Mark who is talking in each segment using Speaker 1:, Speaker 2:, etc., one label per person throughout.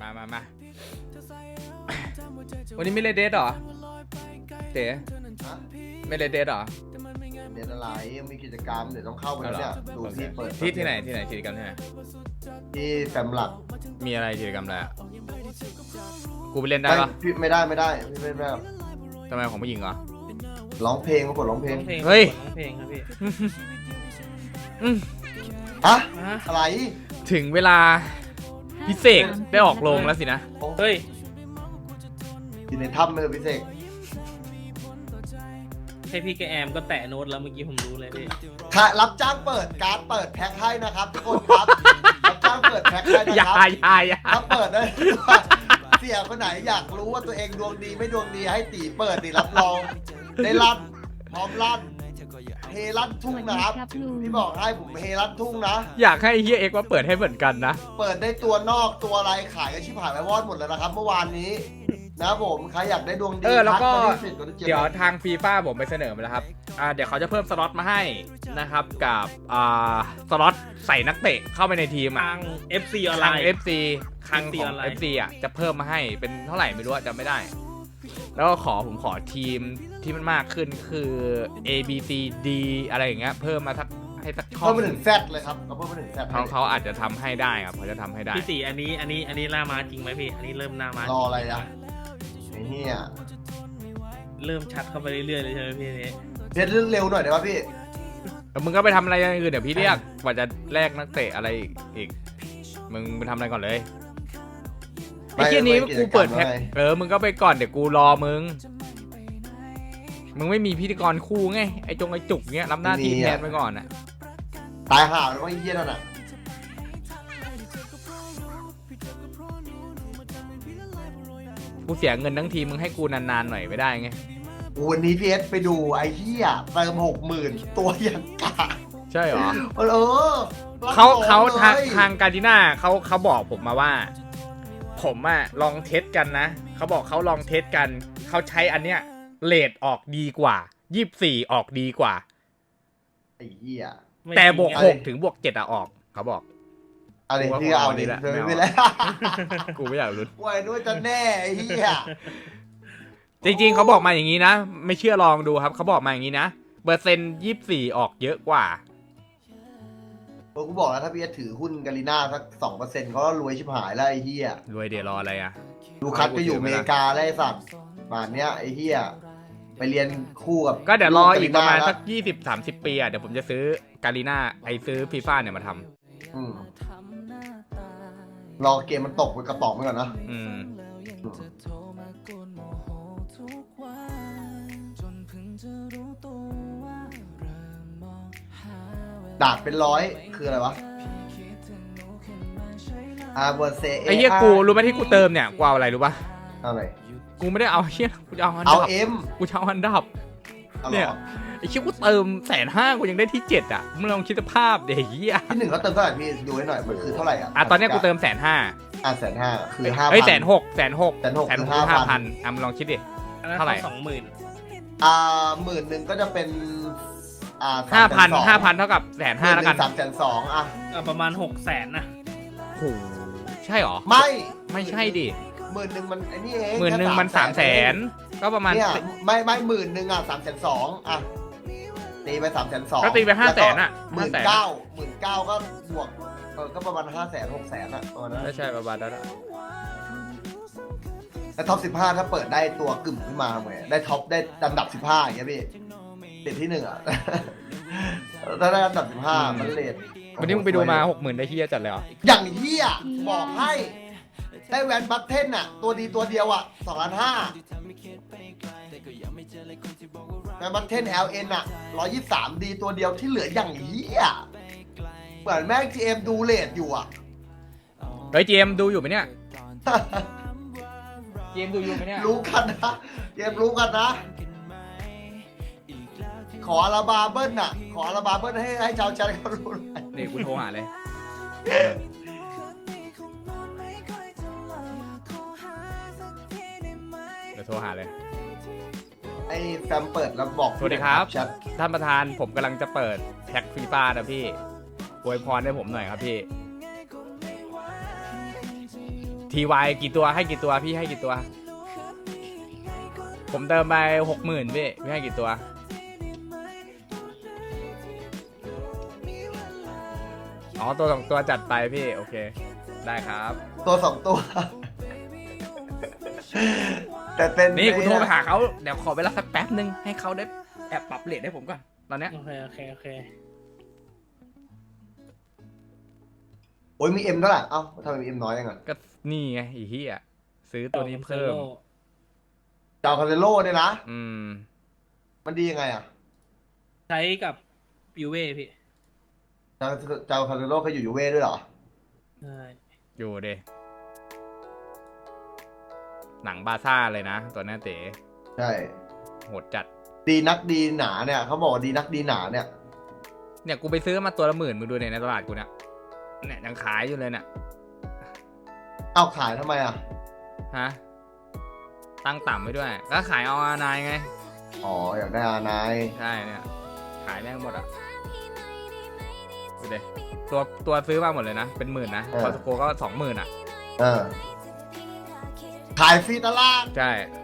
Speaker 1: มาวันนี้ไม่เล่นเดทหรอเต๋ไม่เล่นเดทหรอ
Speaker 2: เดี๋ยวอะไรยังมีกิจกรรมเดี๋ยวต้องเข้าไปแล้วเนี่ยดูที่เปิด
Speaker 1: ที่ไหนกิจกรรมที่ไหน
Speaker 2: ที่แฟมหลัก
Speaker 1: มีอะไรกิจกรรมอะไรอ่ะกูไปเล่นได้ปะ
Speaker 2: พี่ไม่ได้พี่ไม่ได้
Speaker 1: ทำไมของผู้หญิงเหรอ
Speaker 2: ร้องเพลงมากดร้องเพลง
Speaker 1: เฮ้ย
Speaker 3: ร้องเพลงครับพี่
Speaker 2: ฮะอะไร
Speaker 1: ถึงเวลาพิเศษได้ออกโรงแล้วสินะ
Speaker 3: เฮ้ย
Speaker 2: อยู่ในถ้ำเลยพิเศษ
Speaker 3: ให้พี่แกแอมก็แตะโน้ตแล้วเมื่อกี้ผมรู้เลยพี่
Speaker 2: ถ้ารับจ้างเปิดการ์ดเปิดแพ็คให้นะครับทุกคนครับรับจ้างเปิดแพ็คให้นะครับถ้าเปิดได้เสี่ยคนไหนอยากรู้ว่าตัวเองดวงดีไม่ดวงดีให้ตีเปิดดิรับรองได้ลั่นพร้อมลั่นเฮลั่นทุ่งนะครับพี่บอกให้ผมเฮลั่นทุ่งนะ
Speaker 1: อยากให้เฮียเอ็กว่าเปิดให้เหมือนกันนะ
Speaker 2: เปิดได้ตัวนอกตัวอะไรขายกันชิบหายไปวอดหมดแล้วนะครับเมื่อวานนี้นะผมใครอยากได้ดวงดี
Speaker 1: แล้วก็เดี๋ยวทางฟีฟ่าผมไปเสนอมาแล้วครับเดี๋ยวเขาจะเพิ่มสล็อตมาให้นะครับกับสล็อตใส่นักเตะเข้าไปในทีม
Speaker 3: ทาง FC ออนไลน์
Speaker 1: FC ครั้งของ FC อ่ะจะเพิ่มมาให้เป็นเท่าไหร่ไม่รู้จำไม่ได้แล้วก็ผมขอทีมที่มันมากขึ้นคือ A B C D อะไรอย่างเงี้ยเพิ่มมาให้สักช่อง
Speaker 2: เพิ่มมาถึง Z เลยครับเพิ่มมาถึง Z
Speaker 1: เขาอาจจะทำให้ได้ครับเขาจะทำให้ได้
Speaker 3: พี่ตีอันนี้ล่ามาจริงไหมพี่อันนี้เริ่มหน้ามาร
Speaker 2: ออะไรอ่ะไอ้เหี้ย
Speaker 3: เริ่มชัดเข้าไปเรื่อยๆเลยใช่ไหมพี่นี้
Speaker 2: เดี๋ยวเร็วหน่อยได้ป่ะพี่
Speaker 1: มึงก็ไปทำอะไรอย่างอื่นเดี๋ยวพี่เรียกว่าจะแลกนักเตะอะไรอีกมึงไปทำอะไรก่อนเลยไอ้เหี้ยนี้กูเปิดแพ็คมึงก็ไปก่อนเดี๋ยวกูรอมึงไม่มีพิธีกรคู่ไงไอ้จุกเงี้ยรับหน้าที่แทนไปก่อนอ่ะ
Speaker 2: ตายห่าแล้วก็เหี้ยนั่นน่ะ
Speaker 1: กูเสียเงินทั้งทีมึงให้กูนานๆหน่อยไม่ได้ไง
Speaker 2: วันนี้พีเอสไปดูไอ้เหี้ยเติม60,000ตัวยังกา
Speaker 1: ใช่หรอ
Speaker 2: เขา
Speaker 1: ทางการดิน่าเขาบอกผมมาว่าผมอะลองเทสกันนะเขาบอกเขาลองเทสกันเขาใช้อันเนี้ยเรทออกดีกว่า24ออกดีกว่า
Speaker 2: ไอ้เหี้ย
Speaker 1: แต่บวก6ถึงบวก7อะออกเขาบอก
Speaker 2: อะไรที่เอาดีแหละไม่แล้ว
Speaker 1: กูไม่อยากรู้
Speaker 2: ว่าด้วยจะแน่ไอ้เหี้ย
Speaker 1: จริงๆเขาบอกมาอย่างนี้นะไม่เชื่อลองดูครับเขาบอกมาอย่างนี้นะเปอร์เซ็นต์24ออกเยอะกว่า
Speaker 2: กูบอกแล้วถ้าพี่ถือหุ้นกาลิน่าสัก 2% เขาก็รวยชิบหายแล้วไอ้เหี้ย
Speaker 1: รวยเดี๋ยวรออะไรอะ
Speaker 2: ลูคัสก็อยู่อเมริกาแล้วไอ้สัตว์ป่านเนี้ยไอ้เหี้ยไปเรียนคู่กับ
Speaker 1: ก็เดี๋ยวรออีกประมาณสัก20-30 ปีอะเดี๋ยวผมจะซื้อกาลิน่าซื้อฟีฟ่าเนี่ยมาทำ
Speaker 2: รอเกมมันตกไปกระป๋องไปก่อนนะดาบเป็น100คืออะไรวะเวอร์เซ
Speaker 1: ไอ้เหี้ยกูรู้ไหมที่กูเติมเนี่ยกูเอาอะไรรู้ป่ะ
Speaker 2: อะไร
Speaker 1: กูไม่ได้เอาเหี้ยกูจะเอากูจะเอาฮันดับเนี่ยไอ้เหี้ยกูเติม150,000กูยังได้ที่7อ่ะมึงลองคิดสภาพเดี๋ยวเหี้ย
Speaker 2: ที่1เขาเติมเท่าไหร่พี่ดูให้หน่อยมันคือเท่าไหร่
Speaker 1: ตอนนี้กูเติม150,000
Speaker 2: 150,000คือ5,000
Speaker 1: เฮ้ย160,000 5,000มึงลองคิดดิเท่าไหร่
Speaker 3: 20,000
Speaker 2: 10,000ก็จะเป็น
Speaker 1: 5,000เท่ากับ150,000แล้วกัน
Speaker 2: 320,000อ่ะ
Speaker 3: ประมาณ600,000นะ
Speaker 1: โหใช่หรอไม่ใช่ดิ
Speaker 2: 10,000มันไอ้นี่เอง
Speaker 1: 10,000มัน300,000ก็ประมาณ
Speaker 2: เนี่ยไม่10,000อ่ะ320,000อ่ะตีไป320,000
Speaker 1: ก็ตีไป500,000อ่ะ
Speaker 2: 19,000ก็บวกก็ประมาณ500,000 600,000อ่ะตัวนั้น
Speaker 1: ไม่ใช่ประมาณนั้น
Speaker 2: แล้วท็อป15ถ้าเปิดได้ตัวกึ่มขึ้นมาเหมือนได้ท็อปได้อันดับ15อย่างเงี้ยพี่ติดที่1อ่ะถ้าได้อันดับ15มันเลท
Speaker 1: วันนี้มึงไปดูมา 60,000ได้เฮียจัดเลยเหรอ
Speaker 2: อย่างเฮียบอกให้ได้แวนบัตเทนอ่ะตัวดีตัวเดียวอ่ะ2,500,000แวนบัตเทน LN อ่ะ123ดีตัวเดียวที่เหลืออย่างเฮียเหมือนแม่ง GM ดูเลทอยู่อ่ะ
Speaker 1: เฮ้ย GM ดูอยู่ไหมเนี่ย GM ดูอยู่ไหมเนี่ย
Speaker 2: รู้กันนะ GM รู้กันนะขออาราบาเบิ้ลน่ะขออาราบาเบิ้ลให้ชาวจันทร์เขารู้
Speaker 1: นี่กูโทรหาเลยเดี๋ยวโทรหาเลย
Speaker 2: ไอ้แฟมเปิดแล้วบอก
Speaker 1: สวัสดีครับท่านประธานผมกำลังจะเปิดแพ็คฟีฟ่านะพี่อวยพรให้ผมหน่อยครับพี่ TY กี่ตัวให้กี่ตัวพี่ให้กี่ตัว ผมเติมไป 60,000พี่ให้กี่ตัวอ๋อตัวสองตัวจัดไปพี่โอเคได้ครับ
Speaker 2: ตัวสองตัว แต่เป็น
Speaker 1: นี่กูโทรไปหาเขาเดี๋ยวขอเวลาสักแป๊บนึงให้เขาได้แอบปรับเรทให้ผมก่อนตอนเนี้ย
Speaker 3: โอเค
Speaker 2: โอ้ยมีเอ็มเท่าไหร่เอ้าทำไมมีเอ็มน้อยยังไง
Speaker 1: ก็นี่ไงอีเหี้ยซื้อตัวนี้เพิ่ม
Speaker 2: เจ้าคาเรโลเนี่ยนะ มันดียังไงอ่ะ
Speaker 3: ใช้กับยูเว่พี่
Speaker 2: เจ้าคาเรโลเคยอยู่ยูเว่ด้วยเหรอ
Speaker 3: ใช่
Speaker 1: อยู่เดหนังบาซ่าเลยนะตัวนี้เต๋
Speaker 2: ใช่
Speaker 1: โหดจัด
Speaker 2: ดีนักดีหนาเนี่ยเขาบอกว่าดีนักดีหนาเนี่ย
Speaker 1: เนี่ยกูไปซื้อมาตัวละ10,000มึงดูในตลาดกูเนี่ยยังขายอยู่เลยเนี่ย
Speaker 2: เอาขายทำไมอ่ะ
Speaker 1: ฮะตั้งต่ำไว้ด้วยก็ขายเอานายไง
Speaker 2: อ๋ออยากได้อานาย
Speaker 1: ใช่เนี่ยขายแม่งหมดอ่ะดูดิตัวซื้อมาหมดเลยนะเป็น10,000นะคอสโกก็20,000อ่ะ
Speaker 2: เออขายฟรีตลาด
Speaker 1: ใช่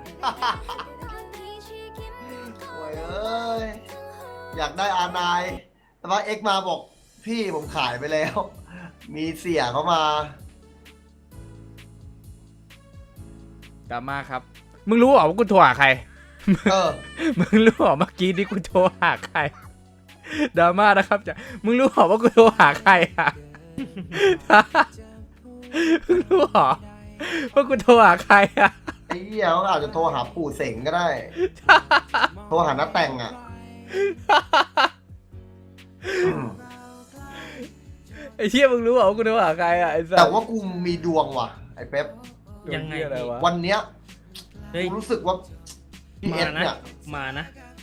Speaker 2: โอ้ยเอ้ยอยากได้อานายแต่ว่าเอ็กมาบอกพี่ผมขายไปแล้ว มีเสียเขามา
Speaker 1: ดราม่าครับมึงรู้เหรอว่ากูโทรหาใคร
Speaker 2: เออ
Speaker 1: มึงรู้เหรอเมื่อกี้ที่กูโทรหาใครดราม่านะครับจ้ะมึงรู้เหรอว่ากูโทรหาใครอ่ะ มึงรู้เหรอว่ากูโทรหาใครอ่ะ
Speaker 2: ไอ้เหี้ยเขาอาจจะโทรหาปู่เสงก็ได้ โทรหาน้าแต่งอ่ะ
Speaker 1: ไอ้เชี่ยมึงรู้เหรอว่ากูโทรหาใครอ่ะไอ้สัส
Speaker 2: แต่ว่ากูมีดวงว่ะ ไอ้เป๊ป
Speaker 3: ยังไง
Speaker 1: อะไรวะ
Speaker 2: วันเนี้ย
Speaker 3: เฮ้ย
Speaker 2: กูรู้สึกว่าพีเอ
Speaker 3: มา
Speaker 2: ส
Speaker 3: นะ
Speaker 2: เนี่ย
Speaker 3: มานะ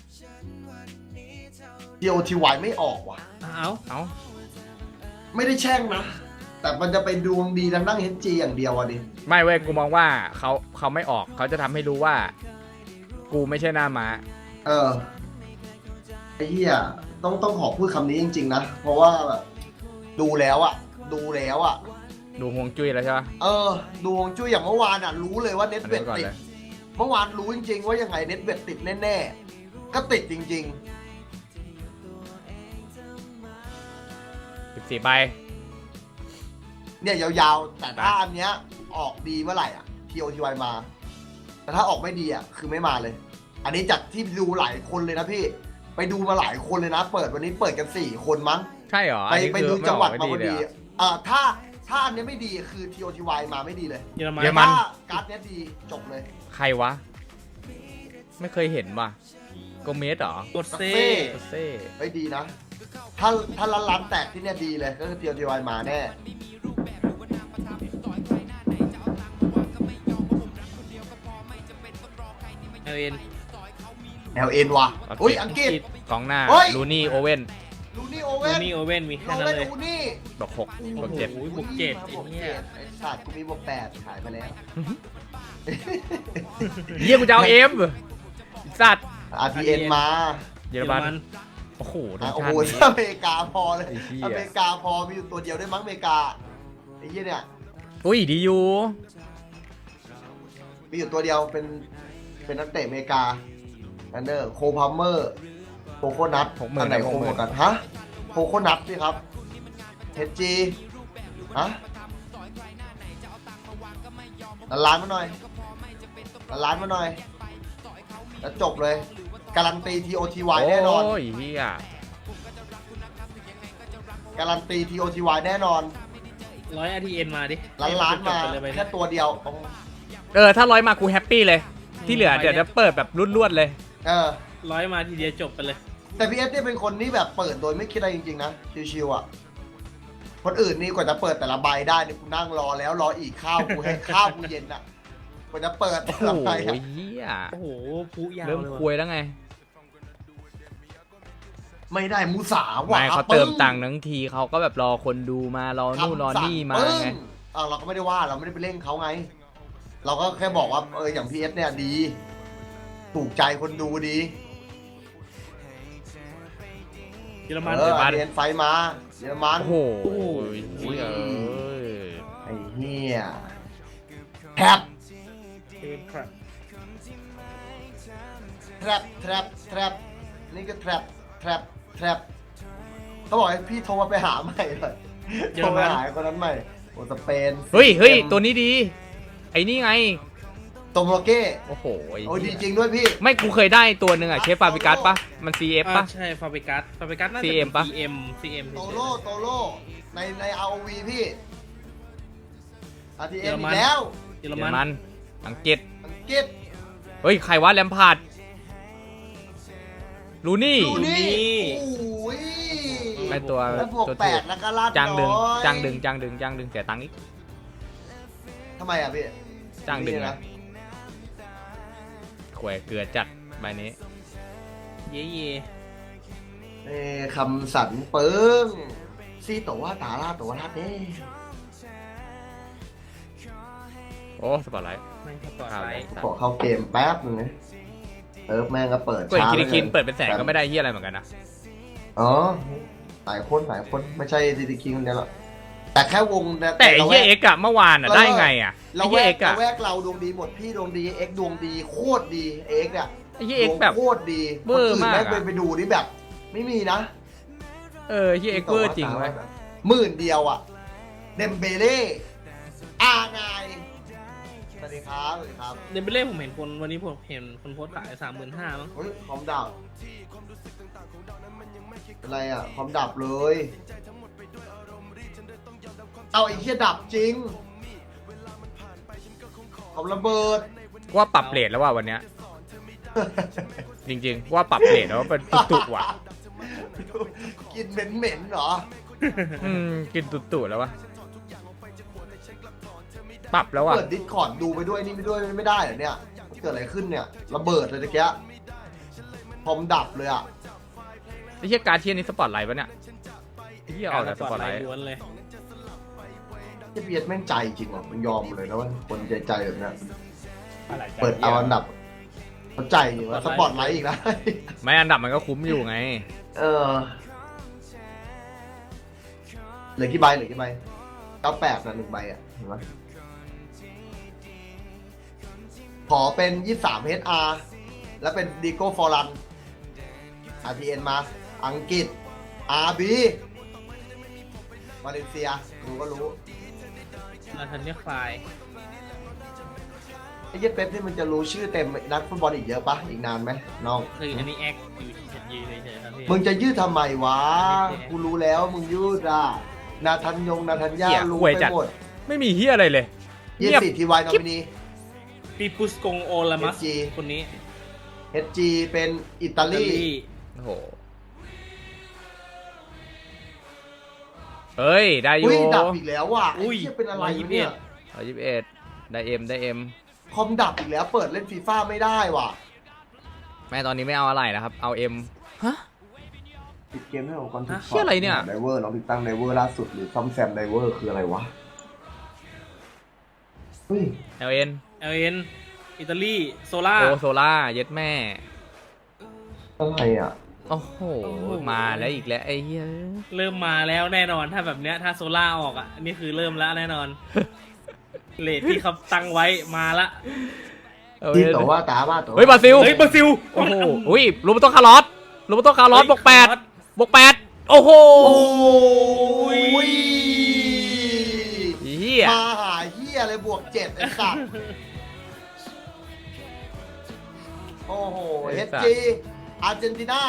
Speaker 2: DOTY ไม่ออกว่ะ
Speaker 3: เอา
Speaker 1: เอ้า
Speaker 2: ไม่ได้แช่งนะ แต่มันจะเป็นดวงดีทางด้าน HG อย่างเดียวอ่ะดิ
Speaker 1: ไม่เว้ยกูมองว่าเขาไม่ออกเขาจะทำให้รู้ว่า กูไม่ใช่หน้าม้า
Speaker 2: เออ ไอ้เหี้ยต้องขอพูดคำนี้จริงๆนะ เพราะว่าแบบดูแล้วอ่ะ ดู
Speaker 1: ฮวงจุ้ยแล้วใช่ปะ
Speaker 2: เออ ดูฮวงจุ้ยอย่างเมื่อวานอ่ะ รู้เลยว่าเน็ต
Speaker 1: อัน
Speaker 2: เว
Speaker 1: นี้
Speaker 2: ท
Speaker 1: ก่อน
Speaker 2: ติด
Speaker 1: เลย
Speaker 2: เมื่อวานรู้จริงๆว่ายังไงเน็ตเวทติดแน่ๆ ก็ติดจริง
Speaker 1: 14ใบ
Speaker 2: ๆ เนี่ยยาวๆ แต่ถ้าอันเนี้ยออกดีเมื่อไหร่อ่ะ TOTY มา แต่ถ้าออกไม่ดีอ่ะคือไม่มาเลย อันนี้จากที่ดูหลายคนเลยนะพี่ ไปดูมาหลายคนเลยนะ เปิดวันนี้เปิดกัน4 คนมั้ง
Speaker 1: ใช่เหรอ
Speaker 2: ไป
Speaker 1: อันนี้
Speaker 2: ไป
Speaker 1: คือ
Speaker 2: ดู
Speaker 1: ไม่
Speaker 2: จัง
Speaker 1: อ
Speaker 2: หวั
Speaker 1: อ
Speaker 2: ด
Speaker 1: กไม่
Speaker 2: มา
Speaker 1: ดี
Speaker 2: พอ
Speaker 1: เลย
Speaker 2: ดี
Speaker 1: เหรอ
Speaker 2: ถ้าอันเนี้ยไม่ดีคือ TOTY มาไม่ดีเลย
Speaker 3: เยอรมัน
Speaker 1: เยอรมัน
Speaker 2: ถ้าการ์ดเนี้ยดีจบเลย
Speaker 1: ใครวะ ไม่เคยเห็นว่ะโกเมสเหรอก
Speaker 3: ดเซ่
Speaker 1: โคเซ่
Speaker 2: เฮ้ยดีนะ ถ้าร้านแตกที่เนี่ยดีเลยก็คือ TOTY มาแน่
Speaker 3: เอลเอ็น
Speaker 2: LN ว่ะอุ้ยอังกฤษ
Speaker 1: กองหน้า
Speaker 2: เฮ้ย
Speaker 1: ลูนี่โอเว่น
Speaker 2: ลูนี่โอ
Speaker 3: โอ
Speaker 2: เว่น
Speaker 3: นี่โอเว่นมีแค่
Speaker 2: โอ
Speaker 3: นั้น
Speaker 2: เว่น
Speaker 3: เลย
Speaker 2: อูนี่
Speaker 1: บวก6บวก
Speaker 3: โอ้โห
Speaker 1: 7
Speaker 3: บวกเจ็ด
Speaker 2: บวก
Speaker 3: ไอ้เหี้
Speaker 2: เจ็
Speaker 3: ย
Speaker 2: ดไอ้สัตว์กูมีบวก8ขายไปแล้ว
Speaker 1: เยี่ยกูจะเอาเอ็มสัตว์
Speaker 2: RTN มา
Speaker 1: เยอรมันโอ้โหทีม
Speaker 2: โอ้
Speaker 1: ชา
Speaker 2: โห
Speaker 1: ตินี้
Speaker 2: อเมริกาพอเลย
Speaker 1: ไอ้เหี้ย
Speaker 2: อเมริกาพอมีอยู่ตัวเดียวได้มั้งอเมริกาไอ้เหี้ยเนี่ย
Speaker 1: อุ้ยดีอยู่
Speaker 2: มีอยู่ตัวเดียวเป็นนักเตะอเมริกาอันเดอร์โคพาเมอร์โคโคนัทอันไหนโคโคกันฮะโคโคนัทสิครับเฮจีฮะล้านมาหน่อยล้านมาหน่อยแล้วจบเลยการันตี TOTY แน่นอน
Speaker 1: โอ้ยเฮีย
Speaker 2: การันตี TOTY แน่นอน
Speaker 3: 100 RTN มาดิ
Speaker 2: ล้านมา
Speaker 3: จบไปเลยไป
Speaker 2: แค่ตัวเดียว
Speaker 1: ถ้า100มากูแฮปปี้เลย ที่เหลือเดี๋ยวจะเปิดแบบรวดๆเลย
Speaker 2: เออ
Speaker 3: 100 มาทีเดียวจบไปเลย
Speaker 2: แต่พีเอสเนี่ยเป็นคนที่แบบเปิดโดยไม่คิดอะไรจริงๆนะชิวๆอ่ะคนอื่นนี่กว่าจะเปิดแต่ละใบได้นี่กูนั่งรอแล้วรออีกข้าวกูให้ข้าวกูเย็นอ่ะกว่าจะเปิดแต่
Speaker 1: โอ้
Speaker 2: ละ
Speaker 1: โห
Speaker 2: ใบอะ
Speaker 1: เฮีย
Speaker 3: โอ้โหพุยาว
Speaker 1: เริ่ม
Speaker 3: เลย
Speaker 1: คุยแล้วไง
Speaker 2: ไม่ได้มูสาว่ะ
Speaker 1: ไม่เขาเติมตังค์ทั้งทีเขาก็แบบรอคนดูมารอนู่นรอนี่มาไง
Speaker 2: เราก็ไม่ได้ว่าเราไม่ได้ไปเร่งเขาไง เราก็แค่บอกว่าอย่างพีเอสเนี่ยดี ถูกใจคนดูดี
Speaker 3: เยอรมัน
Speaker 2: เรียนไฟมาเยอรมัน
Speaker 1: โอ้โหเฮียเอ้ย
Speaker 2: ไอ้เหี้ย trap
Speaker 3: เควินครับ
Speaker 2: trap นี่ก็ trap เขาบอกให้พี่โทรมาไปหาใหม่เลยโทรไปหาคนนั้นใหม่โอ้สเปน
Speaker 1: เฮ้ยตัวนี้ดีไอ้นี่ไง
Speaker 2: โตโมเก้
Speaker 1: โอ้โห
Speaker 2: โอ้ดีจริงด้วยพี่
Speaker 1: ไม่กูเคยได้ตัวหนึ่งอะเชฟฟาบิกัสปะมัน CF ปะ
Speaker 3: ใช่ฟาเบกัสน่าจะ
Speaker 1: CM ปะ
Speaker 3: CM
Speaker 2: โตโล่ใน ROV พี่
Speaker 3: เยอ
Speaker 2: RTM
Speaker 3: ร
Speaker 2: อี
Speaker 3: มัน
Speaker 2: กแล้ว
Speaker 3: เยอ
Speaker 1: เย
Speaker 3: ร
Speaker 1: อร
Speaker 3: มั
Speaker 1: มัน นอังกฤษ
Speaker 2: อังกฤษ
Speaker 1: เฮ้ยใครวะแลมพาร์ดลูนี่
Speaker 2: ดูนี่โอ้ย
Speaker 1: ไอตัว
Speaker 2: แล้วบวก
Speaker 1: ตัว
Speaker 2: แป
Speaker 1: ถู
Speaker 2: ด
Speaker 1: ก
Speaker 2: แล้วก็ลาด
Speaker 1: จ้างดึง
Speaker 2: น้อย
Speaker 1: จ้างดึงเสียตังค์อีก
Speaker 2: ทำไมอ่ะพี่
Speaker 1: จ้างดึง
Speaker 2: นี่
Speaker 1: นะแขวเกลือจัดใบนี้
Speaker 3: เย่
Speaker 2: คำสันเปิงซีตัวว่าตาลาตัวลาดเด้
Speaker 1: โอ้สปอร์ตไลท์
Speaker 3: ไม่สปอร์ตไลท์
Speaker 2: ขอเข้าเกมแป๊บนึงนะแม่งก็เปิด
Speaker 1: ก็อีก
Speaker 2: ช้า
Speaker 1: คิน
Speaker 2: ลย
Speaker 1: เปิดเป็นแสนก็ไม่ได้เฮียอะไรเหมือนกันนะ
Speaker 2: อ๋อหลายคนไม่ใช่ดีคิงคนเดียวหรอกแต่แค่วงนะ
Speaker 1: แต่ไอ้เฮียเอ็กอะเมื่อวานอะได้ไงอะ
Speaker 2: เรา
Speaker 1: ไอ้
Speaker 2: แว
Speaker 1: เฮีย
Speaker 2: ก
Speaker 1: เอ็กอะ
Speaker 2: เราแวกเราดวงดีหมดพี่ดวงดีเอ็กดวงดีโคตรดีเอ็กเนี่ย
Speaker 1: ไอ้เฮียเอ็กแบบ
Speaker 2: โคตรดี
Speaker 1: เวอร์มาก
Speaker 2: คน
Speaker 1: อะ
Speaker 2: อื่นแม่งไปดูนี่แบบ ไม่มีนะ
Speaker 1: เฮียเอ็กเวอร์จริงเว้ย
Speaker 2: 10,000เดียวอ่ะเดมเบเล่อาไงสวัสดีครับ
Speaker 3: เดมเบเล่ผมเห็นคนวันนี้ผมเห็นคนโพสต์ขาย35,000มั้ง
Speaker 2: เฮ้ยคอมดับอะไรอ่ะคอมดับเลย เอาไอ้เหี้ยดับจริงคอมระเบิด
Speaker 1: ว่าปรับเรทแล้วว่าวันเนี้ยจริงๆว่าปรับเรทแล้วว่าเป็นตุ่ๆว่ะ
Speaker 2: กินเหม็นๆเหรอ
Speaker 1: กินตุ่ๆแล้ววะปรับแล้วว่ะ
Speaker 2: เปิดดิสคอร์ดดูไปด้วยนี่ไปด้วยไม่ได้เหรอเนี่ยเกิดอะไรขึ้นเนี่ยระเบิดเลยตะเกียคอมดับเลยอ่ะ
Speaker 1: ไอ้เฮียการเทียนนี่สปอร์ตไลท์ปะเนี่ยไอ้เฮียออกจากสปอร์ตไลท์
Speaker 3: ล้วนเลย
Speaker 2: ที่เบียดแม่งใจจริงว่ะมันยอมเลยนะว่าคนใจแบบเนี้ย
Speaker 1: อะไร
Speaker 2: เปิดเอาอันดับเขาใจอยู่ว่าสปอร์ตไลท์อีกนะ
Speaker 1: ไม่อันดับมันก็คุ้มอยู่ไง
Speaker 2: เออเหลือกี่ใบ98นะ1ใบอ่ะเห็นไหมขอเป็น23 HR แล้วเป็นดิโก้ฟอรัน RTN มาอังกฤษ RB มาเลเซียรู้ก็รู้
Speaker 3: นาธานเนียลคลาย
Speaker 2: ไอ้เหี้ยเป๊ปนี่มันจะรู้ชื่อเต็มนักฟุตบอลอีกเยอะปะอีกนานไหมน้อง
Speaker 3: คืออันนี้แอคอยู่ที่ฉันยืนเฉยๆครับพี่
Speaker 2: มึงจะยืดทำไมวะ กูรู้แล้วมึงยืดอ่ะนาธัญญา
Speaker 1: เหี้ย
Speaker 2: รู้
Speaker 1: ห่วย
Speaker 2: ไป
Speaker 1: จัด
Speaker 2: หมด
Speaker 1: ไม่มีเฮียอะไรเลย
Speaker 2: 24 ทีวายนอมินี
Speaker 3: ปีปุสกงโอลามัส
Speaker 2: SG
Speaker 3: คนนี้
Speaker 2: HG เป็นอิตาลี
Speaker 1: โอ้โหเฮ้ยได้อยู่
Speaker 2: อุ้ยดับอีกแล้วว่ะไอ้
Speaker 3: อุ้ย
Speaker 2: เหี้ยเป็นอะไรเนี่ย
Speaker 1: 121ได้เอ็ม
Speaker 2: คอมดับอีกแล้วเปิดเล่นฟีฟ่าไม่ได้ว่ะ
Speaker 1: แม่ตอนนี้ไม่เอาอะไรนะครับเอาเอ็มฮะ
Speaker 2: ปิดเกมให้ของคอนทุก
Speaker 1: เหี้ยอะไรเนี่ย
Speaker 2: ไดเวอร์น้องติดตั้งไดเวอร์ล่าสุดหรือซ่อมแซมไดเวอร์คืออะไรวะเฮ้ย
Speaker 1: LN
Speaker 3: เอ็นอิตาลีโซล่า
Speaker 1: โอโซล่าเย็ดแม่
Speaker 2: อะไรอ่ะ
Speaker 1: โอ้โหมาแล้วอีกแล้วไอ้เหี้ย
Speaker 3: เริ่มมาแล้วแน่นอนถ้าแบบเนี้ยถ้าโซล่าออกอ่ะอันนี่คือเริ่มแล้วแน่นอน เลทที่เขาตั้งไว้มาละ
Speaker 2: ที่ต่อว่าตาว่าตัว
Speaker 1: เฮ้ยบราซิล
Speaker 3: เฮ้ยบราซิล
Speaker 1: โอ้โหอุ้ยลูมโตคาร์ลอสบวก8โอ้โห
Speaker 2: โอ้ย
Speaker 1: เหี้ย
Speaker 2: มาหาเฮียเลยบวก7ไอ้สัตว์โอ้โห HG อาร์เจนตินา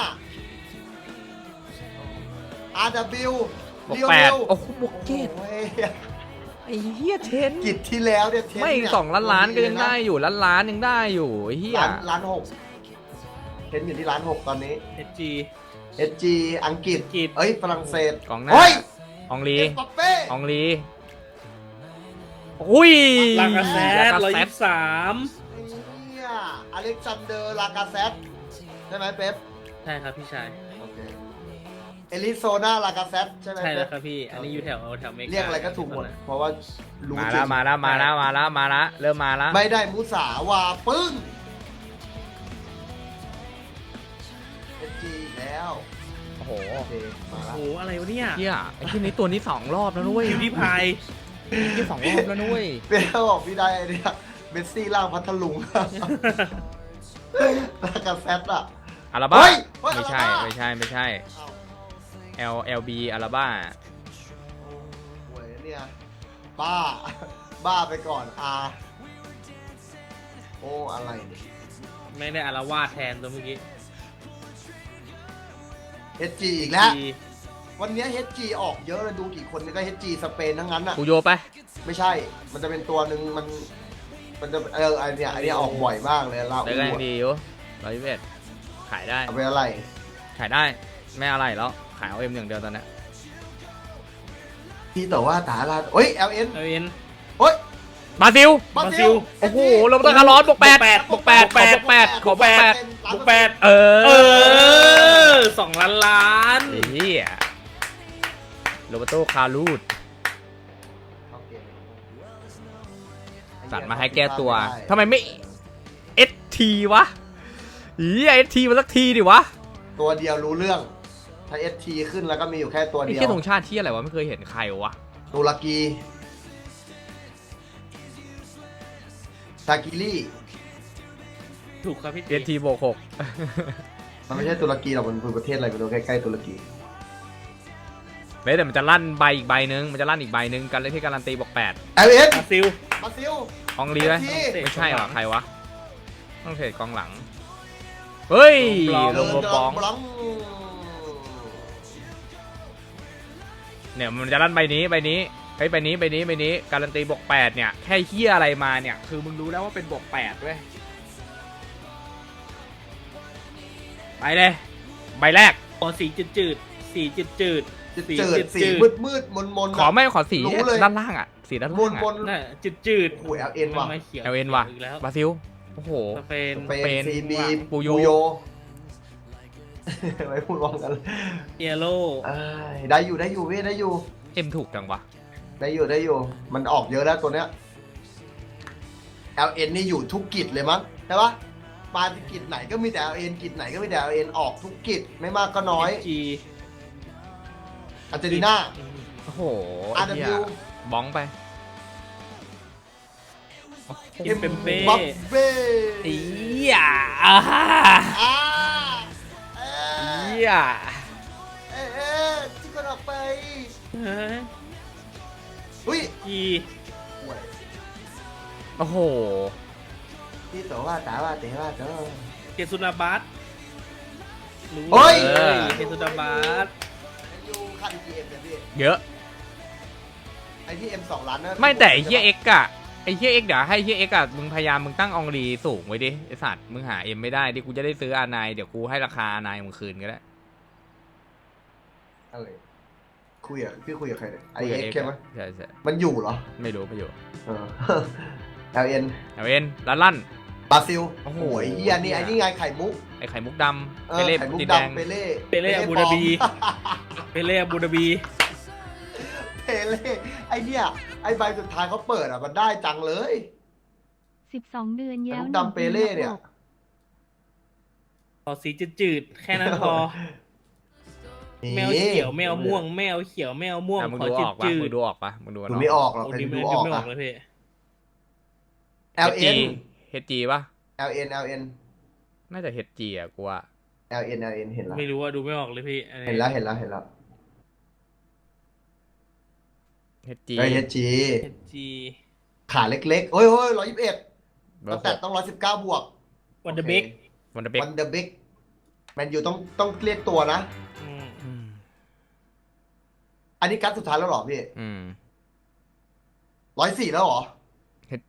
Speaker 2: RW
Speaker 1: บวก
Speaker 2: เรียว
Speaker 1: 8โอ้โหบวก7
Speaker 2: โอ้ย
Speaker 1: ไอ้เหี้ยเทน
Speaker 2: กิจที่แล้วเนี่ยเทน
Speaker 1: ไม่
Speaker 2: เนี่ย
Speaker 1: 2 ล้านก็ยังได้อยู่ล้านยังได้อยู่ไอ้เหี้ย
Speaker 2: ล้านหกเทนอยู่ที่ล้านหกตอนนี้
Speaker 3: เอจี
Speaker 2: HG อังกฤษ
Speaker 3: อังกฤษ
Speaker 2: เอ้ยฝรั่งเศส
Speaker 1: กองหน้า
Speaker 2: เฮ้ย
Speaker 1: อองลี
Speaker 2: เอ็มบัปเป้
Speaker 1: อองลีอุ้ย
Speaker 3: ลากาเซต
Speaker 1: ลากาเซต
Speaker 3: 123
Speaker 2: เนี่ยอเล็กซานเดอร์ลากาเซตใช่ไหมเป๊ป
Speaker 3: ใช่ครับพี่ชาย
Speaker 2: โอเคเอลิโซนาลากาเซตใช่ไหม
Speaker 3: ใช่แล้ว
Speaker 2: เป๊ป
Speaker 3: ครับพี่ อันนี้อยู่แถวเมกา
Speaker 2: เรียกอะไรก็ถูกหมด เพราะว่ารู้
Speaker 1: มา
Speaker 2: จริ
Speaker 1: แล้ว
Speaker 2: ง
Speaker 1: มาแล้วเริ่มมาแล้ว
Speaker 2: ไม่ได้มุสาวาปึ้งเอจีแล้ว
Speaker 1: โอ้โห
Speaker 2: โอเคมา
Speaker 3: โอ้
Speaker 2: แล้ว
Speaker 3: โหอะไรวะเนี่ย
Speaker 1: เหี้ยไอ้ที่นี้ตัวนี้2 รอบแล้วด้วย
Speaker 3: คิวที่พาย
Speaker 1: ที่2 รอบแล้วนุ้ย
Speaker 2: เปียกบอกพี่ได้ไอเนี่ยเมสซี่ล่างพัทลุงแล้วกับแซดอะ
Speaker 1: อาราบ้า
Speaker 2: เฮ้ยเฮ้ย
Speaker 1: ไม่ใช่
Speaker 2: อาราบ้า
Speaker 1: ไม่ใช่ไม่ใช่
Speaker 2: อ้าว
Speaker 1: LB อาราบ้า
Speaker 2: โอ้ยเนี่ยบ้า บ้าไปก่อนโอ้อะไรเนี่ย
Speaker 3: ไม่ได้อารวาสแทนตัวเมื่อกี้
Speaker 2: HG อีกแล้ว
Speaker 3: ดี
Speaker 2: วันนี้ HG ออกเยอะเลยดูกี่คนนี่ก็ HG สเปนทั้งนั้นอะ
Speaker 1: กูโยไป
Speaker 2: ไม่ใช่ มันจะเป็นตัวหนึ่งมันจะไอเนี้ยออกบ่อยมากเลยลา
Speaker 1: ได้
Speaker 2: อู
Speaker 1: ก็ยังดีอยู่121ขายได้
Speaker 2: เอาไปอะไร
Speaker 1: ขายได้ ไม่อะไรแล้ว ขายเอาเอ็มอย่างเดียวตอนนี้
Speaker 2: ที่แต่ว่าตาลาเฮ้ย LN
Speaker 3: เอาเอ็น
Speaker 2: เฮ้ย
Speaker 1: บราซิล
Speaker 2: บรา
Speaker 3: บราซิ
Speaker 2: ซิ
Speaker 3: ล
Speaker 2: ล
Speaker 1: โอ้โหโรเบร์โตคาร์ลอสบวก8บวก8ขอบวก8ขอบวก8
Speaker 3: บวก8
Speaker 1: เอ
Speaker 3: เอ
Speaker 1: อ
Speaker 3: อ2 ล้านล้าน
Speaker 1: ไอ้เหี้ยโรเบร์โตคาร์ลูสสั่นมาให้แก้ตัวทำไมไม่ ST วะเหี้ย ST มาสักทีดิวะ
Speaker 2: ตัวเดียวรู้เรื่อง ถ้า ST ขึ้นแล้วก็มีอยู่แค่ตัว
Speaker 1: ไอ้
Speaker 2: เดีย
Speaker 1: เหี้ยว ธงชาติที่อะไรวะไม่เคยเห็นใครวะ
Speaker 2: ตุรกีซากิลี่
Speaker 3: ถูกครับพี่
Speaker 1: ST บวก6
Speaker 2: มันไม่ใช่ตุรกีหรอกมันคือประเทศอะไรไม่รู้ใกล้ๆตุรกี
Speaker 1: เฮ้ยแต่มันจะลั่นใบอีกใบนึงมันจะลั่นอีกใบนึงกันเลยที่การันตีบวก8
Speaker 2: LN
Speaker 3: บราซิล
Speaker 2: บราซิล
Speaker 1: อองลีไหม
Speaker 2: ST
Speaker 1: ไม่ใช่หรอใครวะต้องเทรดกองหลังเฮ้ยลงโบบอง
Speaker 2: บลอง
Speaker 1: เนี่ยมันจะลั่นใบนี้ใบนี้เฮ้ยใบนี้การันตีบวก8เนี่ยแค่เฮียอะไรมาเนี่ยคือมึงรู้แล้วว่าเป็นบวก8ด้วยไปเลยใบแรก
Speaker 3: ขอสีจืดสีจืด
Speaker 2: จืดสีมืดมน
Speaker 1: ขอไม่ขอสี
Speaker 2: รู้เลย
Speaker 1: ด้านล่างอ่ะสีด้าน
Speaker 2: ม
Speaker 1: ล่าง
Speaker 2: น
Speaker 1: อ่ะ
Speaker 3: น่ะจืด
Speaker 2: โอ้ย LN ว่ะ
Speaker 3: ไม่เขียว
Speaker 1: LN ว่ะ
Speaker 3: อีกแล้ว
Speaker 1: บราซิลโอ้โห
Speaker 3: สเปน
Speaker 2: สเปน CB
Speaker 1: ปูโย
Speaker 2: ไม่พูดวองกัน
Speaker 3: เอโร่
Speaker 2: ได้อยู่พี่ได้อยู่
Speaker 1: เอ็มถูกจังวะ
Speaker 2: ได้อยู่ มันออกเยอะแล้วตัวเนี้ย LN นี่อยู่ทุกกิจเลยมั้งใช่ปะมากิจไหนก็มีแต่ LN กิจไหนก็มีแต่ LN ออกทุกกิจไม่มากก็น้อย
Speaker 3: จี
Speaker 2: อาร์เจนตินา
Speaker 1: โอ้โห
Speaker 2: RW
Speaker 1: บ้องไป
Speaker 3: เอ็มเปมเป้
Speaker 2: บัฟเบ้
Speaker 1: เอียอ่า
Speaker 2: อ่า
Speaker 1: เอีย
Speaker 2: ที่คนออกไป
Speaker 3: เฮ้ย
Speaker 2: อุ้ย
Speaker 3: จี
Speaker 1: โอ้โห
Speaker 2: ที่ตัวว่าแต่ว่าเตะว่าเจ้า
Speaker 3: เกซุนาบัสรู้
Speaker 2: เฮ้ย
Speaker 3: เลยเกซุนาบัส
Speaker 2: อยู่ค่า EPM เนี่ยพี่
Speaker 1: เยอะ
Speaker 2: ไอที่ M 2 ล้านนะ
Speaker 1: ไม่แต่ไอ้เฮียเอ็กอะไอ้เฮียเอ็กเดี๋ยวให้เฮียเอ็กอะมึงพยายามมึงตั้งอองรีสูงไว้ดิไอสัตว์มึงหาเอ็มไม่ได้ดิกูจะได้ซื้ออานายเดี๋ยวกูให้ราคาอานายมึงคืนก็ได้
Speaker 2: อะไรพี่คุยกับใครเนี่ยไอเอ็กใช่ไหม
Speaker 1: ใช่ใช่
Speaker 2: มันอยู่เหรอ
Speaker 1: ไม่รู้ไม่อยู่
Speaker 2: เออ LN
Speaker 1: เอาเอ็นลั่น
Speaker 2: บราซิล
Speaker 1: โอ้โห
Speaker 2: ไอ้เหี้ยนี่ไอ้นี่ไงไข่มุก
Speaker 1: ไอ้ไข่มุกดำ
Speaker 2: เอ
Speaker 1: ไป
Speaker 2: อ
Speaker 1: เล่
Speaker 2: ไข่มุก
Speaker 1: ติดแดง
Speaker 2: ดำเปเล่
Speaker 3: เปเล่อาบูดาบี เปเล่อาบูดาบี
Speaker 2: เปเล่ไอ้เนี่ยไอ้ใบสุดท้ายเขาเปิดอ่ะมันได้จังเลย
Speaker 4: 12 เดือน
Speaker 2: ไข่
Speaker 4: แย้ว
Speaker 2: มุกดำเปเล่เนี่ย
Speaker 3: ขอสีจืดแค่นั้นพอแมวเขียวแมวม่วงแมวเขียวแมวม่วง
Speaker 1: อ่ะมึง
Speaker 3: ขอ
Speaker 1: ดูอ
Speaker 3: จื
Speaker 1: อกปะ
Speaker 3: ด
Speaker 1: มึงดูออกปะมึงดู
Speaker 2: ดูไม่ออกหรอก
Speaker 3: โอ้
Speaker 2: แต่
Speaker 3: ดี
Speaker 2: ดู
Speaker 3: ไม่
Speaker 2: ออก
Speaker 3: ไม่ออ
Speaker 2: อะ
Speaker 3: กเลยพี่
Speaker 2: LN
Speaker 1: HG ปะ
Speaker 2: LN
Speaker 1: น่าจะ HG อ่ะกูว่า
Speaker 2: LN เห็นแล้ว
Speaker 3: ไม่รู้ว่าดูไม่ออกเลยพี่อันนี้
Speaker 2: เห็นแล้ว
Speaker 1: HG
Speaker 2: ไอ้ HG
Speaker 3: เอจี
Speaker 2: ขาเล็กๆโอ้ย121แต่ต้อง119บวก
Speaker 3: วันเดอร์เบก
Speaker 1: วันเดอร์เบก
Speaker 2: วันเดอร์บิ๊กแมนยูต้องเรียกตัวนะ อันนี้กัดสุดท้ายแล้วเหรอพี่ 104แล้วเหรอ
Speaker 1: HG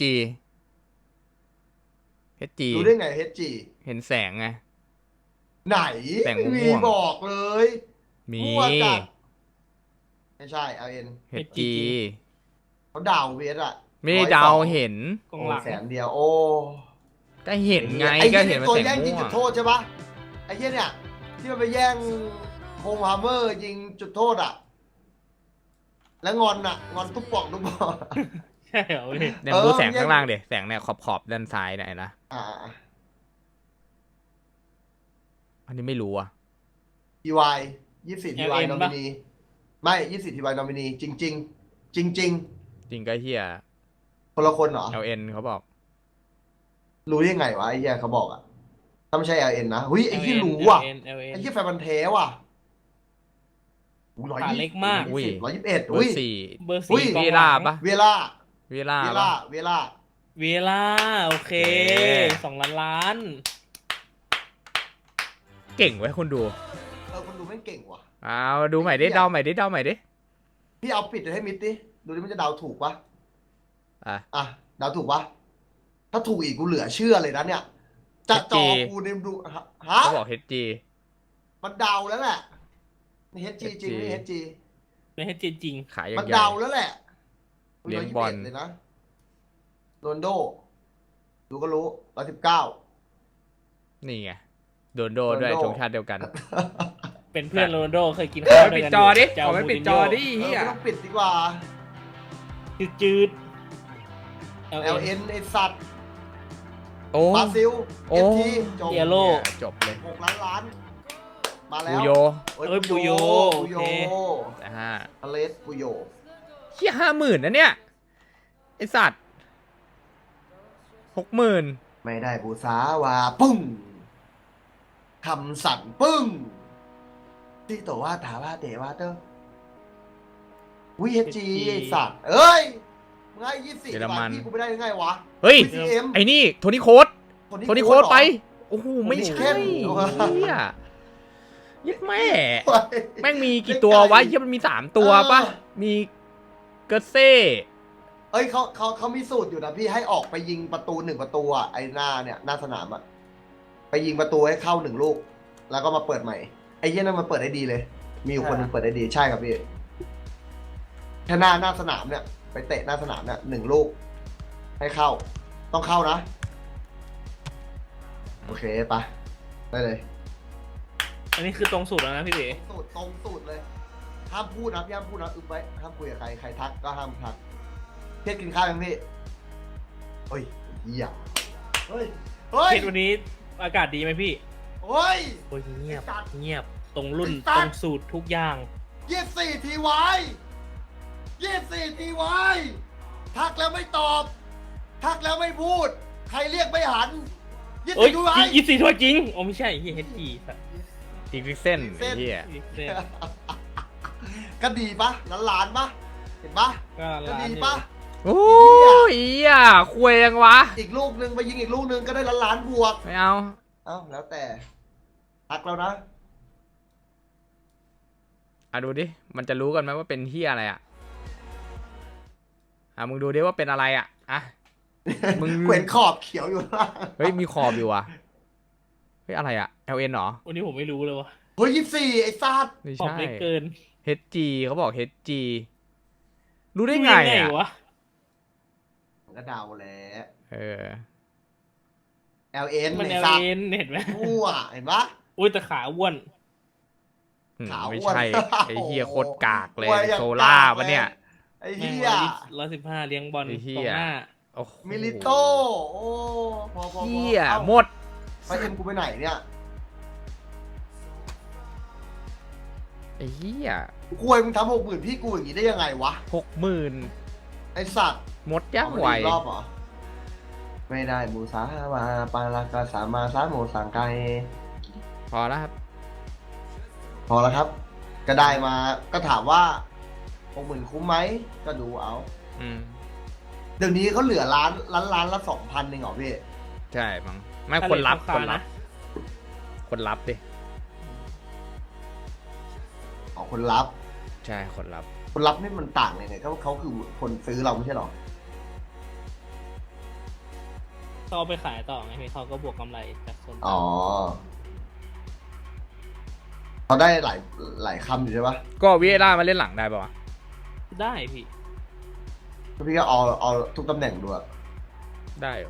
Speaker 1: HG
Speaker 2: รู้ได้ไง HG
Speaker 1: เห็นแสงไง
Speaker 2: ไหน
Speaker 1: แต่งม่วง
Speaker 2: มีบอกเลย
Speaker 1: มี
Speaker 2: มั่วจัดไม่ใช่ LN
Speaker 1: HG
Speaker 2: เขาดาวเวสอะ
Speaker 1: ไม่ได้เดาเห็น
Speaker 3: กองหลัง
Speaker 2: แสนเดียวโอ้
Speaker 1: ก็เห็นไง
Speaker 2: อ้
Speaker 1: ก็
Speaker 2: เหี้ย
Speaker 1: เห็นมัน
Speaker 2: ตัว
Speaker 1: แสง
Speaker 2: แย่งยิง
Speaker 1: ม่ว
Speaker 2: จุ
Speaker 1: ง
Speaker 2: ดโทษใช่ปะไอ้เหี้ยเนี่ยที่มันไปแย่งโฮมฮาร์เมอร์ยิงจุดโทษอะแล้วงอนตุ๊บป่อง
Speaker 3: ใช่เหรอพี่
Speaker 1: เนี่ยมึงดูแสงข้างล่างเดี๋ยแสงเนี่ยขอบด้านซ้ายเนี่ยนะ
Speaker 2: อ่า
Speaker 1: อันนี้ไม่รู้อ่ะ
Speaker 2: TY 24 TY นอมินีไม่24 TY นอมินีจริง
Speaker 1: จริงก็เฮีย
Speaker 2: คนละคนเหรอ
Speaker 1: LN เขาบอก
Speaker 2: รู้ยังไงวะไอ้เหี้ยเขาบอกอะถ้าไม่ใช่ LN นะหุ้ยไอ้ที่รู้ว่ะ
Speaker 3: LN
Speaker 2: ไอ้ที่แฟนมันธุ์แท้ว่ะ
Speaker 3: ขาเล็กมาก
Speaker 1: อุ้ย
Speaker 2: 121
Speaker 1: เบอ
Speaker 2: อุ้ย
Speaker 1: ร์สี่
Speaker 3: เบอร์
Speaker 2: อุ้ย
Speaker 3: สี่กอง
Speaker 1: เว
Speaker 3: ห
Speaker 1: ลา
Speaker 3: ลัง
Speaker 1: ปะ
Speaker 2: เวล่า
Speaker 1: เวลา
Speaker 2: เว
Speaker 1: ปะ
Speaker 2: ล่าเวล่า
Speaker 3: เวลาโอเค
Speaker 1: โอเค
Speaker 3: 2 ล้าน
Speaker 1: เก่งไว้ยคนดู
Speaker 2: คนดูแม่งเก่งว่ะ
Speaker 1: เอาดูใหม่ดิเดาใหม่ดิเดาใหม่ดิ
Speaker 2: พี่เอาปิดให้มิดดิดูดิมันจะเดาถูกปะ
Speaker 1: อ่ะ
Speaker 2: เดาถูกปะถ้าถูกอีกกูเหลือเชื่อเลยนะเนี่ยจะจอกูเนี่ยดูฮะ
Speaker 1: เขาบอก HG
Speaker 2: มันเดาแล้วแหละนี่ HG จริงนี่ HG
Speaker 3: ไม่ให้จริง
Speaker 1: ขายยั
Speaker 2: มัน
Speaker 1: งใหญ่
Speaker 2: เดาแล้วแหละ
Speaker 1: เลี้ยงบอล
Speaker 2: 121เลยนะโรนลโดดูก็รู้119
Speaker 1: นี่ไงโดนโดด้วย
Speaker 2: โรนัลโด
Speaker 1: ชงชาติเดียวกัน
Speaker 3: ๆ เป็นเพื่อนโรนัลโดเคยกิน
Speaker 1: ขอ
Speaker 3: ข้าว
Speaker 1: ไม่
Speaker 3: ด้วย
Speaker 1: ปิด
Speaker 3: กัน
Speaker 1: จอดิ
Speaker 3: เจ้า
Speaker 1: ขอไม่
Speaker 3: มู
Speaker 1: ปิด
Speaker 3: ริน
Speaker 1: จ
Speaker 3: โญ่
Speaker 1: อดิเฮีย
Speaker 2: ไม่ต้องปิดดีกว่า
Speaker 3: จืด
Speaker 2: LN ไอสัตว์
Speaker 1: โอ้
Speaker 2: บราซิล
Speaker 1: โอ้
Speaker 2: FT จบ
Speaker 3: เยโล
Speaker 1: จบเลย
Speaker 2: 6 ล้าน มาแล้
Speaker 1: บู
Speaker 2: ว
Speaker 1: โย
Speaker 3: เอ้ยปูโย
Speaker 2: ปูโย
Speaker 3: โอเค
Speaker 1: แต่ฮะ
Speaker 2: อเลสปูโย
Speaker 1: เฮีย50,000นะเนี่ยไอสัตว์60,000
Speaker 2: ไม่ได้บูซาวาปึ้งคำสั่นปึ้งที่ตัวว่าถาว่าเตว่าเตอร์วีเอจีไอสัตว์เอ้ยมึงให้24
Speaker 1: เยอรมัน
Speaker 2: พี่กูไม่ได้ยังไงวะ
Speaker 1: เฮ้ย
Speaker 2: VCM
Speaker 1: ไอ้นี่โทนี่โค้ดโทนี่โค้ด
Speaker 2: เหรอ
Speaker 1: ไป โอ้โห ไม่ใช่
Speaker 2: โอ้โห
Speaker 1: เฮียยัดแม่
Speaker 2: เฮ้ย
Speaker 1: แม่งมีกี่ตัววะเฮียมันมี3ตัวปะมีเกอร์เซ่
Speaker 2: เอ้ยเขามีสูตรอยู่นะพี่ให้ออกไปยิงประตู1 ประตูอ่ะไอ้หน้าเนี่ยหน้าสนามอ่ะไปยิงประตูให้เข้า1 ลูก แล้วก็มาเปิดใหม่ไอ้เหี้ยนั่นมันเปิดได้ดีเลย มีอยู่คนหนึงเปิดได้ดีใช่ครับพี่แค่หน้าสนามเนี่ยไปเตะหน้าสนามเนี่ย1 ลูก ให้เข้า ต้องเข้านะ โอเคไปได้เลย
Speaker 3: อันนี้คือตรงสูตรแล้วนะพี่เด๋
Speaker 2: ตรงสูตรเลยห้ามพูดนะพี่ห้ามพูดนะอึบไว้ห้ามคุยกับใครทักก็ห้ามทักเพียรกินข้าวยังพี่เฮ้ยเหี้ยเฮ้ย
Speaker 3: เทศวันนี้อากาศดีไหมพี่
Speaker 2: เฮ้ย
Speaker 3: โอ้ยเงียบ
Speaker 2: ไอ้สัตว์
Speaker 3: เงียบตรงรุ่น
Speaker 2: ไอ้สั
Speaker 3: ต
Speaker 2: ตว์
Speaker 3: รงสูตรทุกอย่าง
Speaker 2: 24 ทีวาย24 ทีวายทักแล้วไม่ตอบ ทักแล้วไม่พูด ใครเรียกไม่หัน
Speaker 3: เอ้ย
Speaker 2: 24 ทีวาย
Speaker 3: 24ถ้วยจริงโอ้ไม่ใช่เฮียเฮดจีสัตว์
Speaker 1: อีกริกเส้นไอ้เฮีย
Speaker 2: ก็ดีปะล้านปะเห็นปะ
Speaker 3: ก็
Speaker 2: ก็
Speaker 3: ร้าน
Speaker 2: ดี
Speaker 3: อยู่
Speaker 2: ปะ
Speaker 1: โอ้ยเฮียควยยังวะ
Speaker 2: อีกลูกหนึ่งไปยิงอีกลูกหนึ่งก็ได้ล้านบวก
Speaker 1: ไม่เอา
Speaker 2: เอ้าแล้วแต่ทักแล้วนะ
Speaker 1: อ่ะดูดิ มันจะรู้กันไหมว่าเป็นเฮียอะไรอ่ะ มึงดูดิว่าเป็นอะไรอ่ะ อ่ะ มึง
Speaker 2: เขวนขอบเขียวอยู่ล่าง
Speaker 1: เฮ้ย มีขอบอยู่อ่ะ เฮ้ย อะไรอ่ะ LN เหรอ
Speaker 3: วันนี้ผมไม่รู้เลยวะ
Speaker 2: เฮ้ย24 ไอ้ซาด
Speaker 1: ไม่
Speaker 3: ขอบ
Speaker 1: ใช่
Speaker 3: เล็กเกิน
Speaker 1: HG เขาบอก HG รู้ได้ไง
Speaker 3: รู้
Speaker 1: อ่ะ
Speaker 3: วะ
Speaker 2: ก็เดาแล้ว
Speaker 1: เออ
Speaker 2: LN
Speaker 3: มัน
Speaker 2: ไอ้
Speaker 3: เอ
Speaker 2: ซาด
Speaker 3: เอ็นเห็นไหม
Speaker 2: มั่วเห็นปะ
Speaker 3: อุ้ยแต่ขาอ้วน
Speaker 2: ขาว
Speaker 1: ไม่
Speaker 2: อ้วน
Speaker 1: ใช่ ไอ้เฮียโคตรกากเลย
Speaker 2: โอ้ยอย่าง
Speaker 1: โซล่าก
Speaker 2: ากเลย
Speaker 1: ปะเนี่ย
Speaker 2: ไอ้
Speaker 3: แม่ง
Speaker 2: เหี้ย
Speaker 3: 115เลี้ยงบอล
Speaker 1: ไอ้เหี้
Speaker 3: ตร
Speaker 1: ย
Speaker 3: งหน้า
Speaker 1: โอ้โห
Speaker 2: มิลิโต้โอ้พอ
Speaker 1: เฮีย
Speaker 2: เอ้า
Speaker 1: หมด
Speaker 2: ไปเอ็มกูไปไหนเนี่ย
Speaker 1: ไอ้เฮีย
Speaker 2: ควยมึงทำ60,000พี่กูอย่างนี้ได้ยังไงวะ
Speaker 1: 60,000
Speaker 2: ไอสัตว์
Speaker 1: หมดย่างไหว
Speaker 2: เอามาอีกรอบเหรอ ไม่ได้บูซาวาปาลากาสามาซาโมสังไก
Speaker 1: พอแล้วครับ
Speaker 2: พอแล้วครับ ก็ได้มาก็ถามว่า60,000คุ้มไหมก็ดูเอา
Speaker 1: อืม
Speaker 2: เดี๋ยวนี้เขาเหลือล้านละ 2,000เองเหรอพี่
Speaker 1: ใช่มั้งไม่คนรับ
Speaker 3: ถ้า
Speaker 1: คน
Speaker 3: เหรี
Speaker 1: รั
Speaker 3: ย
Speaker 1: บ
Speaker 3: ญ
Speaker 1: คนรับดิ
Speaker 2: อ๋อคนรับ
Speaker 1: ใช่คนรับ
Speaker 2: คนรับนี่มันต่างเลยเนี่ยเขาคือคนซื้อเราไม่ใช่หรอ
Speaker 3: เขาเอาไปขายต่อไงพี่เขาก็บวกกำไรจากส่วน
Speaker 2: อ๋อเขาได้หลายคำอยู่ใช่ปะ
Speaker 1: ก็วิเอล่ามาเล่นหลังได้ป่าวะ
Speaker 3: ได้พี่
Speaker 2: พี่ก็เอาทุกตำแหน่งดูอะ
Speaker 1: ได้เหรอ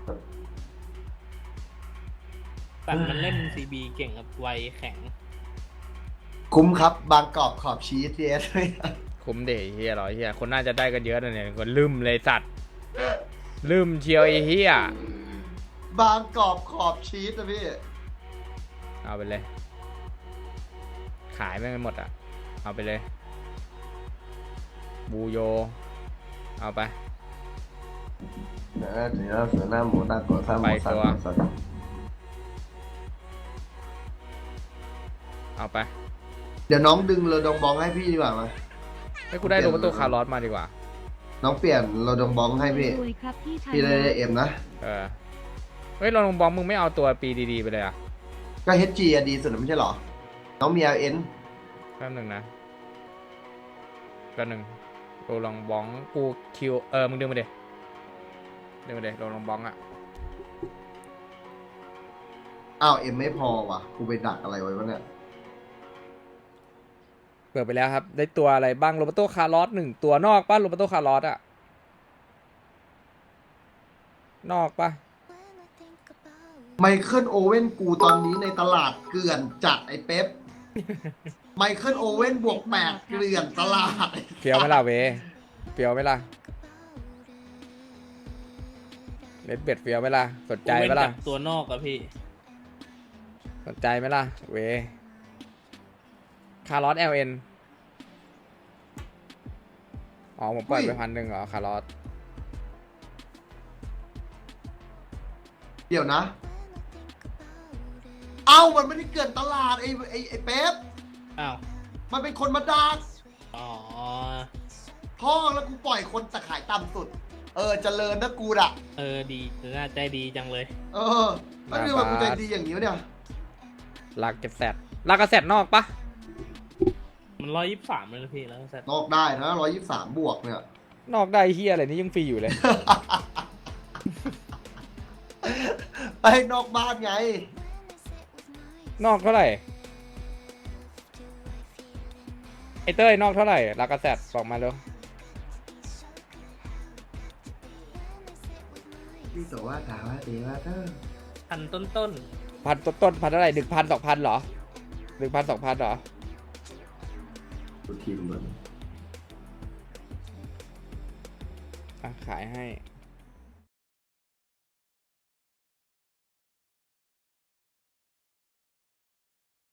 Speaker 3: แต่มันเล่นซีบีเก่งกับไวแข็ง
Speaker 2: คุ้มครับบางกรอบขอบชีสเอส
Speaker 1: คุ้มเดเฮียเหรอเฮียคนน่าจะได้กันเยอะนะเนี่ยคนลืมเลยสัตว์ลืมเชียวไอ้เฮีย
Speaker 2: บางกรอบขอบชีสนะพี่
Speaker 1: เอาไปเลย ขายไม่หมดอ่ะ เอาไปเลย บูโย เอาไป
Speaker 2: นะ只要是那么大个三毛三毛三
Speaker 1: เอาไป
Speaker 2: เดี๋ยวน้องดึงโรดงบองให้พี่ดีกว่าไหม
Speaker 1: ให้กูได้โรเบร์โตคาร์ลอสมาดีกว่า
Speaker 2: น้องเปลี่ยนโรดงบองให้พี่
Speaker 4: รวยครับพี่ชาย
Speaker 2: พี่ได้เอ็มนะ
Speaker 1: เฮ้ยเราลงบอมมึงไม่เอาตัวปีดีๆไปเลยอ่ะ
Speaker 2: ก็ HG อะดีสุดไม่ใช่หรอ น้องมี LN
Speaker 1: แป๊บหนึ่งนะแป๊บหนึ่งโรลองบองกูคิวมึงดึงมาเดโรลองบองอ่ะ
Speaker 2: อ้าวเอ็มไม่พอว่ะ กูไปดักอะไรไว้วะเนี่ย
Speaker 1: เปิดไปแล้วครับ ได้ตัวอะไรบ้างโรเบร์โตคาร์ลอส1ตัวนอกป่ะโรเบร์โตคาร์ลอสอ่ะนอกป่ะ
Speaker 2: ไมเคิลโอเว่นกูตอนนี้ในตลาดเกลื่อนจัดไอ้เป๊ป ไมเคิลโอเว่นบวก8เกลื่อนตลาด
Speaker 1: เฟียวไหมล่ะเวเฟียวไหมล่ะเลดเบ็ดเฟียวไหมล่ะสนใจไหมล่ะ
Speaker 3: ตัวนอกอะพี่
Speaker 1: สนใจไหมล่ะเวคาร์ลอส LN อ๋อผมปล่อยไป1,000เหรอคาร์ลอส
Speaker 2: เดี๋ยวนะ เอ้ามันไม่ได้เกลื่อนตลาดไอ้เป๊ป
Speaker 3: อ้าว
Speaker 2: มันเป็นคนมาดัก
Speaker 3: อ๋อ
Speaker 2: ท่อแล้วกูปล่อยคนแต่ขายต่ำสุด เจริญนะกูอะ
Speaker 3: ดีน่าใจดีจังเลย
Speaker 2: แล้วนี่มันกูใจดีอย่างนี้วะเนี่ย
Speaker 1: ลากกระแสนอกปะ
Speaker 3: มัน123เลยนะพี่แล้วแซด
Speaker 2: นอกได้นะ123บวกเนี่ย
Speaker 1: นอกได้เฮียอะไรนี่ยังฟรีอยู่เลย
Speaker 2: ไปนอกบ้านไง
Speaker 1: นอกเท่าไหร่ไอเต้ยนอกเท่าไหร่ลากระแสบอกมาเร็ว
Speaker 2: พี่ตัวว่าถามว่าดีว่าเธอ
Speaker 3: พันต้น
Speaker 1: พันต้นพันเท่าไหร่1,000 2,000เหรอ1,000 2,000เหรอ
Speaker 2: ดูทีมมัน
Speaker 1: ขายให้